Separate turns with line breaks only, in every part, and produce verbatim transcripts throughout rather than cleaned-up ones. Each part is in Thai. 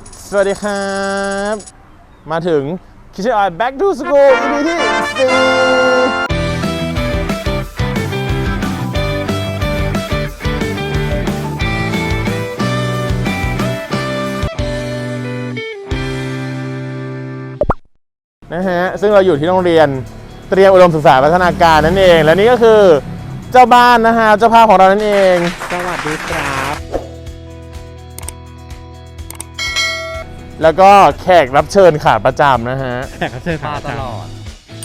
สวัสดีครับมาถึง Kitchen Oil Back to School อี พี ที่สี่นะฮะซึ่งเราอยู่ที่โรงเรียนเตรียมอุดมศึกษาพัฒนาการนั่นเองและนี่ก็คือเจ้าบ้านนะฮะเจ้าภาพของเรานั่นเอง
สวัสดีครับ
แล้วก็แขกรับเชิญขาประจำนะฮะ
แขกรับเชิญขาตลอด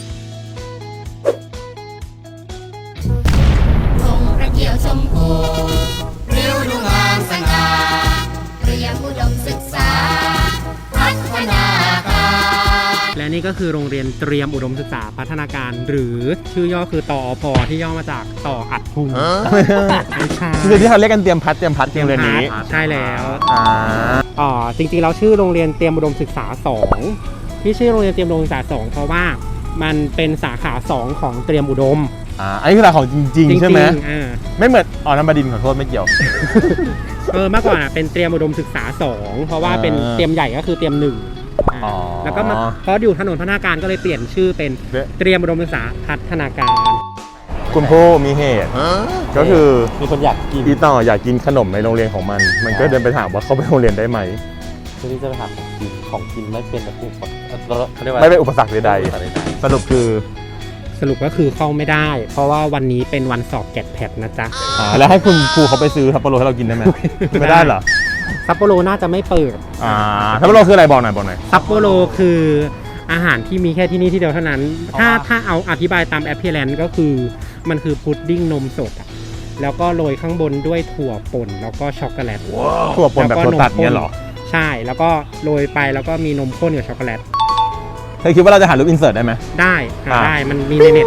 ธงพระเกียวชมพูริ้วดูงามสง่าเตรียมอุดมศึกษาพัฒนาการ
และนี่ก็คือโรงเรียนเตรียมอุดมศึกษาพัฒนาการหรือชื่อย่อคือตอพอที่ย่อมาจากต่ออัดพุงไม่ใช่
คือที่เขาเรียกกันเตรียมพัดเตรียมพัดเตรียมเรียนนี้
ใช่แล้วอ๋อจริงๆเราชื่อโรงเรียนเตรียมอุดมศึกษาสองที่ชื่อโรงเรียนเตรียมอุดมศึกษาสองเพราะว่ามันเป็นสาขาสองของเตรียมอุดม
อ่าอันนี้คือสาขาของจริงๆใช่ไหมไม่เหมือนอ๋อน้ำบดินขอโทษไม่เกี่ยว
เออเมื่อก่อนอ่ะเป็นเตรียมอุดมศึกษาสองเพราะว่าเป็นเตรียมใหญ่ก็คือเตรียมหนึ่งแล้วก็มาเพราะอยู่ถนนพัฒนาการก็เลยเปลี่ยนชื่อเป็นเตรียมอุดมศึกษาพัฒนาการ
คุณพ่อมีเหตุก็คือ
มีคนอยากกิน
อีต่ออยากกินขนมในโรงเรียนของมันมันก็เดินไปถามว่าเขาไปโรงเรียนได้ไหม
คือที่จะไปถามของกินของกินไม่เป็นแบบ
ไม่เป็นอุปสรรคใดๆสรุปคือ
สรุปก็คือเข้าไม่ได้เพราะว่าวันนี้เป็นวันสอบแกดแพดนะจ๊ะ
แล้วให้คุณครูเขาไปซื้อซัปโปโรให้เรากินได้ไหมไม่ได้เหรอ
ซัปโปโรน่าจะไม่เปิด
อ่าซัปโปโรคืออะไรบอกหน่อยบอกหน่อย
ซัปโปโรคืออาหารที่มีแค่ที่นี่ที่เดียวเท่านั้นถ้าถ้าเอาอธิบายตามแอปเปิลแลนด์ก็คือมันคือพุดดิ้งนมสดอ่ะแล้วก็โรยข้างบนด้วยถั่วป่นแล้วก็ช็อกโกแลต
ถั่วป่นแบบถั่วตัดเนี่ยหรอ
ใช่แล้วก็โรยไปแล้วก็มีนมข้นกับช็อกโกแลต
เธอคิดว่าเราจะหารูปอินเสิร์ตได้ไหม
ได้หาได้มันมีในเน็ต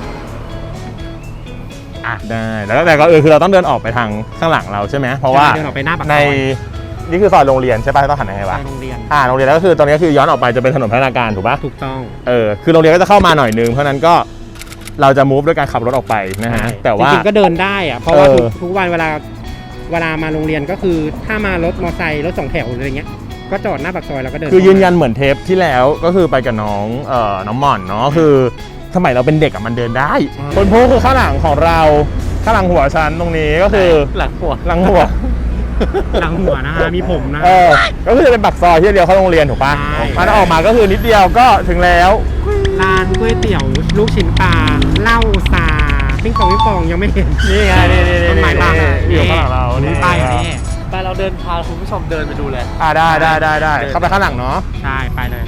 อ่ะได้แล้วแต่ก็เออคือเราต้องเดินออกไปทางข้างหลังเราใช่ไหมเพราะว่า
เดินออกไปหน้าปากซอย
ในนี่คือซอยโรงเรียนใช่ป่ะต้องหันยังไงวะ
โรงเรียน
อ่าโรงเรียนแล้วก็คือตอนนี้คือย้อนออกไปจะเป็นถนนพัฒนาการถูกป่ะ
ถูกต้อง
เออคือโรงเรียนก็จะเข้ามาหน่อยนึงเพราะนั้นก็เราจะมูฟด้วยการขับรถออกไปนะฮะแต่ว่า
จริงๆก็เดินได้อะเพราะว่าทุกวันเวลาเวลามาโรงเรียนก็คือถ้ามารถมอเตอร์ไซค์รถสองแถวอะไรเงี้ยก็จอดหน้าปากซอยแล้วก็เดิน
คือยืนยันเหมือนเทปที่แล้วก็คือไปกับน้องเอ่อน้องหม่อนเนาะคือสมัยเราเป็นเด็กอะมันเดินได้คนพูคือข้างหลังของเราข้างหลังหัวฉันตรงนี้ก็คือ
หลังหัว
หลังหัว
หลังหัวนะฮะมีผมนะ
เออก็คือจะเป็นปากซอยที่เดียวเข้าโรงเรียนถูกป่ะมันออกมาก็คือนิดเดียวก็ถึงแล้ว
ร้านก๋วยเตี๋ยวลูกชิ้นปลาเหล้าซาปิ้งปองปิ้งปองยังไม่เห็น
นี่ไงนี่นี่
ต้นไม้บาง
อยู่ข้างหลังเรา
นี่ไปนี่ไปเราเดินพาคุณผู้ชมเดินไปดูเลย
อ่าได้ได้ได้ได้เข้าไปข้างหลังเนาะ
ใช่ไปเลย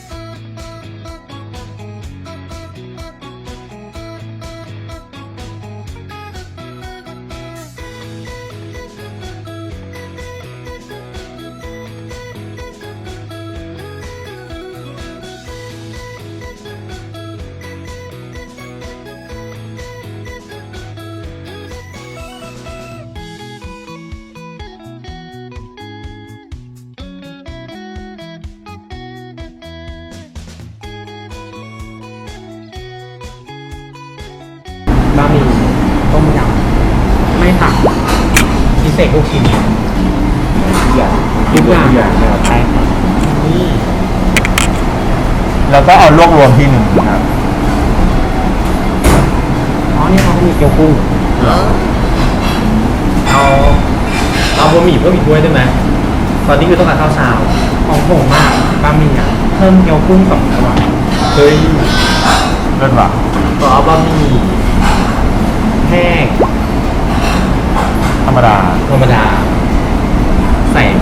บะหมี่ต้มยำไม่ผักพิเศษลูกชิ้นอย่างทุกอย่างนะครับใช่ครับนี่
แล้วก็เอาลวกรวมที่หนึ่งครับ
อ๋อนี่เขามีเกี๊ยวกุ้ง
เอาเอาบะหมี่เพิ่มอีกด้วยได้ไหมตอนนี้คือต้องการข้าวเช้า
ของผมมากบะหมี่อ่ะเพิ่มเกี๊ยวกุ้งสองตัว
เฮ้ย
เลิศว่ะ
ก็เอาบะหมี่แห้ง
ธรรมดา
ธรรมดาใส่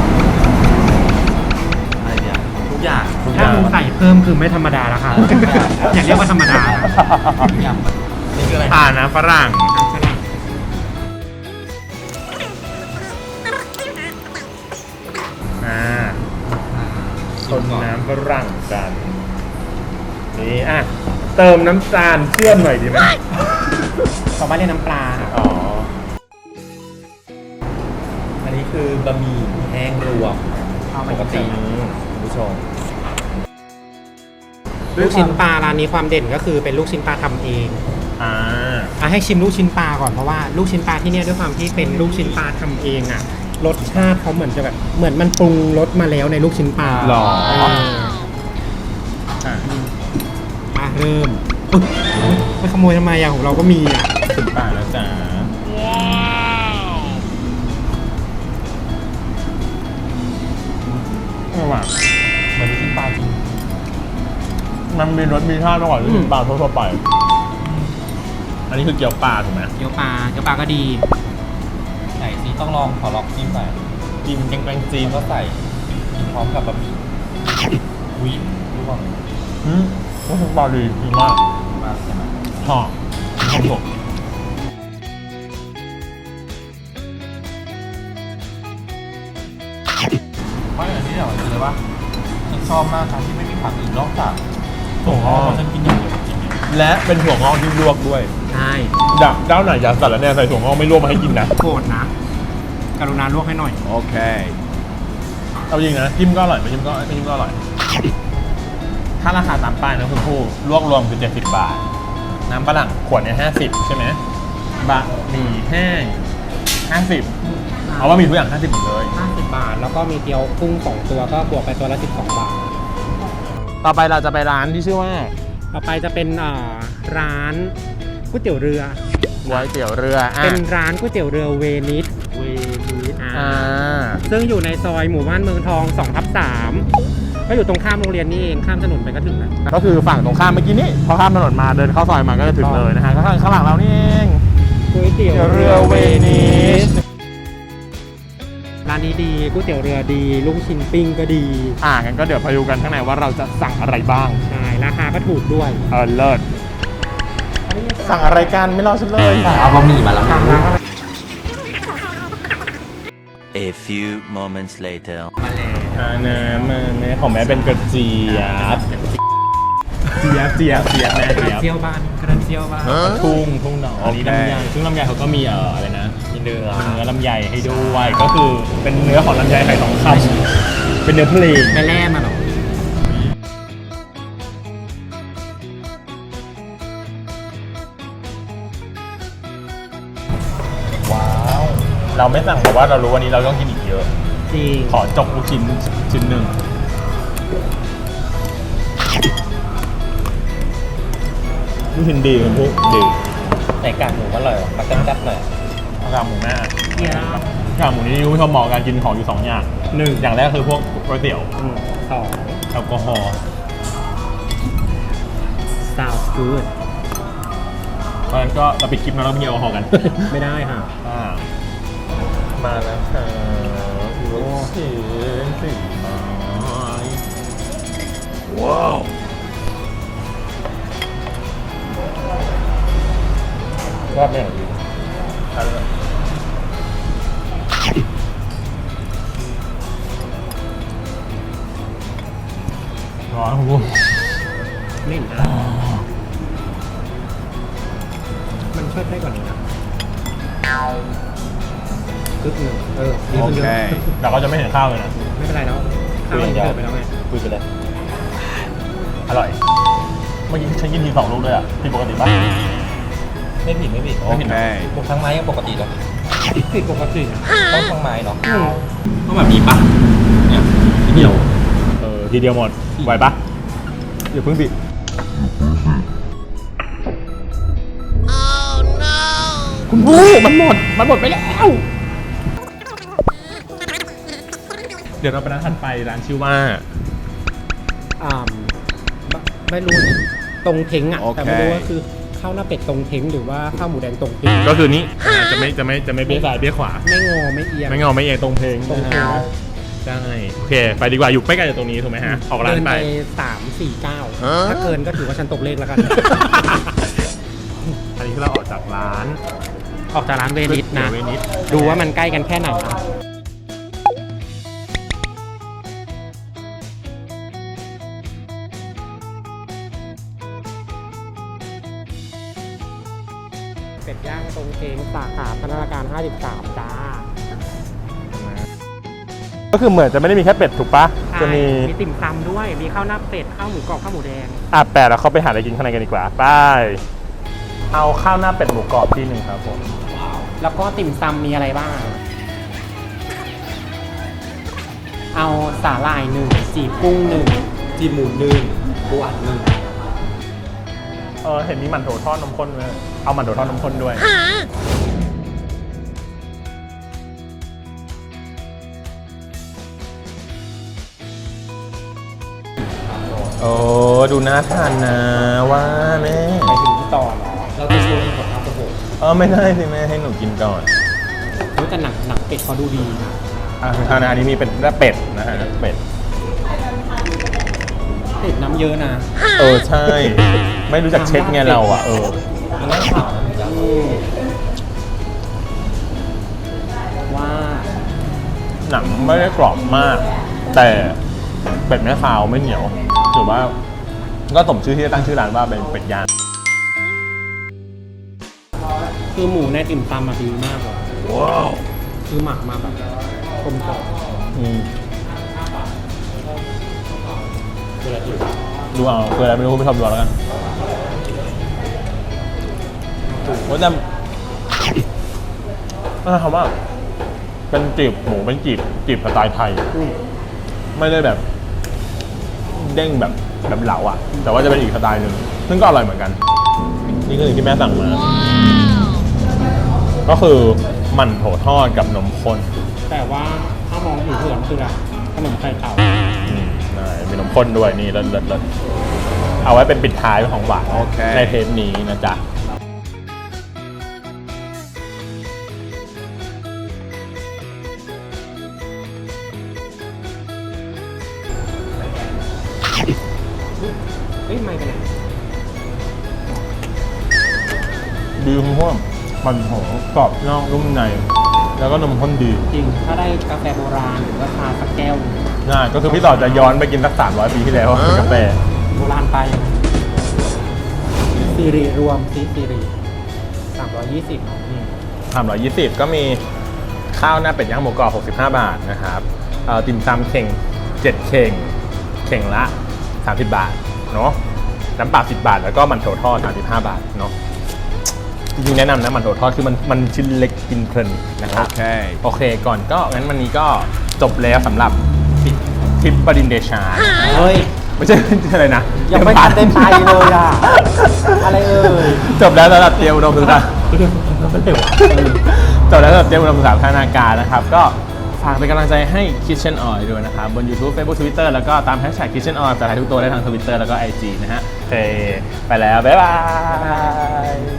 อะไรเนี่ยทุกอย่าง
ถ้ามึงใส่เพิ่มคือไม่ธรรมดาแล้วค่ะอย่าเรียกว่าธรรมดา
นี่คืออะไร
อ่านะฝรั่งอ่าคนน้ำฝรั่งกันนี่อ่ะเติมน้ำตาลเชื่อมหน่อยดีไหม
ชาวบ้านเรียกน้ำปลา
อ๋อ
อันนี้คือบะหมี่แห้งรวมปกติคุณผู้ชม
ลูกชิ้นปลาร้านนี้ความเด่นก็คือเป็นลูกชิ้นปลาทำเอง
อ่า
ให้ชิมลูกชิ้นปลาก่อนเพราะว่าลูกชิ้นปลาที่นี่ด้วยความที่เป็นลูกชิ้นปลาทำเองอ่ะรสชาติเขาเหมือนจะแบบเหมือนมันปรุงรสมาแล้วในลูกชิ้นปลา
หรอ
เออ
อ่ะ
มาเริ่มอุ๊ยไปขโมยทำไมอะของเราก็มีอะ
สิบบาทแล้วจ้าว้าวว่ะ
เหมือนลูกชิ้นปลาจริง
มันมีรสมีชาติมากกว่าลูกชิ้นปลาทั่วๆไป อันนี้คือเกี๊ยวปลาถูกไหม
เกี๊ยวปลาเกี๊ยวปลาก็ดี
ไหนสิต้องลองขอลองจิ้มหน่อย
จิ้มแกงๆจีน
แล้วก็ใส่กินพร้อมกับบะหมี่วิรู้ป่ะ
อืมลูกชิ้นปลาดีดีมาก
มากใช่ไหม
หอมหอมสด
ไม่อย่างที่เดี๋ยวคือเลยว่าฉันชอบมากการที่ไม่มีผักอื่นนอกจาก
ถั่วงอก
เพราะฉันกินอย่างเดียวจริง
และเป็นถั่วงอกที่ลวกด้วย
ใช่
ดักเจ้าไหนอยากสั่แล้วเนี่ยใส่ถั่วงอกไม่ลวกมาให้กินนะ
โกรธนะ กรุณาลวกให้หน่อย
โอเค เอาจริงนะจิ้มก็อร่อยไม่จิ้มก็ไม่จิ้มก็อร่อย ถ้าราคาตามป้ายนะคุณผู้ลวกรวมคือเจ็ดสิบบาท น้ำฝรั่งขวดเนี่ยห้าสิบใช่ไหมบะหมี่แห้งห้าสิบเอาว่ามีทุกอย่างห้าสิบหมดเลย
ห้าสิบบาท แล้วก็มีเกี๊ยวกุ้งสองตัวก็บวกไปตัวละสิบสองบาท
ต่อไปเราจะไปร้านที่ชื่อว่า
ต่อไปจะเป็นอ่าร้านก๋วยเตี๋ยวเรือ
ก๋วยเตี๋ยวเรืออ่ะ
เป็นร้านก๋วยเตี๋ยวเรือเวนิส
เวนิส
อ่า
อ่า
ซึ่งอยู่ในซอยหมู่บ้านเมืองทองสองทับสามก็อยู่ตรงข้ามโรงเรียนนี่เองข้ามถนนไปก็ถึงแล้ว
ก็คือฝั่งตรงข้ามเมื่อกี้นี้พอข้ามถนนมาเดินเข้าซอยมาก็จะถึงเลยนะฮะก็ข้างข้างหลังเรานี่เอง
ก๋วยเตี๋ยว
เรือเวนิส
ร้านนี้ดีก๋วยเตี๋ยวเรือดีลูกชิ้นปิ้งก็ดี
อ่างั้นก็เดี๋ยวไปดูกันข้างในว่าเราจะสั่งอะไรบ้าง
ใช่ราคาก็ถูกด้วย
เออเลิศสั่งอะไรกันไม่รอฉันเลย
เอาบะหมี่มาแล้ว
A few moments later.
อ่านะมันของแม่เป็นกระเจี๊ยบเจี๊ยบเจี๊ยบเจี๊ยบแม่
กระ
เจี๊ยบ
เจียวบ้านกระเจียวบ้าน
ทุ่งทุ่งหนองอันนี้ลำไยซึ่งลำไยเขาก็มีเอ่ออะไรนะมีเนื้อเนื้อลำไยให้ด้วยก็คือเป็นเนื้อของลำไยไข่ทองคำเป็นเนื้อเพลง
ไปแล่มาหรอ
ว้าวเราไม่สั่งเพราะว่าเรารู้วันนี้เราต้องกินอีกเยอะ
จริง
ขอจกลูกชิ้นชิ้นหนึ่งลูกชิ้นดีคุณผู้ดี
ไหนกากหมูอร่อยว่ะมาจัดๆหน่อย
กากหมูแม่
เยี่ยม
กากหมูนี่คุณผู้ชมเหมาะกับการกินของอยู่สองอย่างหนึ่งอย่างแรกคือพวกก๋วยเตี๋ยว
อืมสอง
แอลกอฮอล์
sounds good
เพราะฉะนั้นก็เราปิดคลิปแล้วเราไม่มีแอลกอฮอล์กัน
ไม่ได้ค่ะ
อ่ามาแล้วค่ะลูกชิ้นสีไม้ว้าวรอบนี้ดีทานเลยร้อนคุณผู้
ไม่เห็นได้มันช่วยได้กว่านี้นะกึ๊กหนึ่งเออดีขึ้นเยอะ
แต่ก็จะไม่เห็นข้าวเลยนะ
ไม่เป็นไรแล้วข้าวมันเกิดไปแล้วไง
คุยไปเลย
อร่อย เมื่อกี้ฉันกินทีสองลูกเลยอ่ะผิดปกติป่ะ
ไม่ผิดไม่ผิด
ไม่ผิดนะ
พวกทั้งไม้ยังปกติเลย
ผิดปกติ
ต้องทั้งไม้เนาะ
อืม
ต้องแบบนี้ปะเนี่ยเดียว
เออทีเดียวหมดไหวปะเดี๋ยวเพิ่งสิคุณผู้มันหมด มันหมดไปแล้ว เดี๋ยวเราไปร้านถัดไปร้านชื่อว่า
อ่าไม่รู้ตรงเท้งอ่ะ
โอเค
แต่ไม่รู้ว่าคือข้าวหน้าเป็ดตรงเท้งหรือว่าข้าวหมูแดงตรงเท้ง
ก็คือนี้จะไม่จะไม่จะไม่เบี้ยซ้ายเบี้ยขวา
ไม่งอไม่เอียง
ไม่เงาไม่เอียงตรงเพลง
ตรงเพลง
นะฮะใช่โอเค ไปดีกว่าอยู่ใกล้ๆจากตรงนี้ถูกไหมฮะ ออกร้าน
เดิน
ไป
ไปสามสี่เก้าถ้าเกินก็ถือว่าฉันตกเลขแล้วกัน
อันนี้คือเราออกจากร้าน
ออกจากร้านเวนิสนะ
เวนิส
ดูว่ามันใกล้กันแค่ไหนนะเป็ดย่างตรงเทงสาขาพัฒนาการห้าสิบสามจ้า
ก็คือเหมือนจะไม่ได้มีแค่เป็ดถูกปะจะมี
ใช่มีติ่มซำด้วย มีข้าวหน้าเป็ด ข้าวหมูกรอบข้าวหมูแดง
อ่ะแปดแล้วเขาไปหาอะไรกินข้างในกันดีกว่าไปเอาข้าวหน้าเป็ดหมูกรอบที่หนึ่งครับผม
แล้วก็ติ่มซำมีอะไรบ้างเอาสาหร่ายหนึ่งจีบกุ้งหนึ่ง
จีหมูหนึ่งปูอัดหนึ่ง
เออเห็นมีหมันโถทอดนมข้นด้วยเอาหมันโถทอดนมข้นด้วยโอ้ดูน่าทานนะว่าแม่
ไปถึงที่ต่อเหรอ
เราจะชวนกินของข้าวโพด
เออไม่ได้สิแม่ให้หนูกินก่อน
รู้แต่หนังหนังเป็ดเขาดูดีนะ
อ่ะทานอันนี้มีเป็นเนื้อเป็ดนะฮะเนื้อเป็ด
เป็ดน้ำเยอะนะ
เออใช่ ไม่รู้จักเช็ดไงเราอ่ะเออ
มันน่าขาวนะจ๊ะ
อืมว่า
หนังไม่ได้กรอบมาก แต่เป็ดไม่คาวไม่เหนียวถือว่าก็สมชื่อที่จะตั้งชื่อร้านว่าเป็นเป็ดย่าง
คือหมูในติ่มซำมาดีมากเลย
ว้าว
คือหมักมาแบบกลมกล่อม
อืม
คืออะไรที่
ดูเอาคืออะไรไม่รู้ไม่ชอบดูเอาแล้วกันว่าแต่น่าทำว่าเป็นจีบหมูเป็นจีบจีบสไตล์ไทย
อืม
ไม่ได้แบบเด้งแบบแบบเหลาอ่ะ แต่ว่าจะเป็นอีกสไตล์หนึ่งซึ่งก็อร่อยเหมือนกัน นี่คือสิ่งที่แม่สั่งมา ก็คือหมั่นโถทอดกับนมข้น
แต่ว่าถ้ามองผิวเผินคืออะไรขนมไข่เต่า
อืมใช่มีนมข้นด้วยนี่เลิศเลิศเลิศเอาไว้เป็นปิดท้ายของหวานในเทปนี้นะจ๊ะ
เฮ้ยไม่กันไหน
ดีคุณพ่อมันหอมกรอบนอกนุ่มใน แล้วก็นมข้นดี
จริง ถ้าได้กาแฟโบราณหรือว่าชาสักแก้ว
ง่ายก็คือพี่ต่อจะย้อนไปกินสักสามร้อยปีที่แล้วกาแฟ
โบราณไปนะซีรีรวมซีซีรีสามร้อยยี่สิบ
สามร้อยยี่สิบก็มีข้าวหน้าเป็ดย่างหมูกรอบหกสิบห้าบาทนะครับเอ่อติ่มซำเข่งเจ็ดเข่งเข่งละสามสิบบาทเนาะน้ำเปล่าสิบบาทแล้วก็มันโถทอดสามสิบห้าบาทเนาะจริงๆแนะนำนะมันโถทอดคือมันมันชิ้นเล็กกินเพลินนะครับ โอเคก่อนก็งั้นวันนี้ก็จบแล้วสำหรับทริปปรินเดชา
เฮ้ย
ไม่ใช่ อะไรนะ
ยังไม่ทันได้ไปเลยอ่ะ อะไรเอ่ย
จบแล้วสำหรับเตรียมอุดมศึกษาจบแล้วสำหรับเตรียมอุดมศึกษาพัฒนาการนะครับ ก็ฝากเป็นกำลังใจให้ Kitchen Oil ด้วยนะครับ บน YouTube Facebook Twitter แล้วก็ตาม Hashtag Kitchen Oil แต่ถ่ายทุกตัวได้ทาง Twitter แล้วก็ ไอ จี นะฮะโอเคไปแล้ว บ๊ายบาย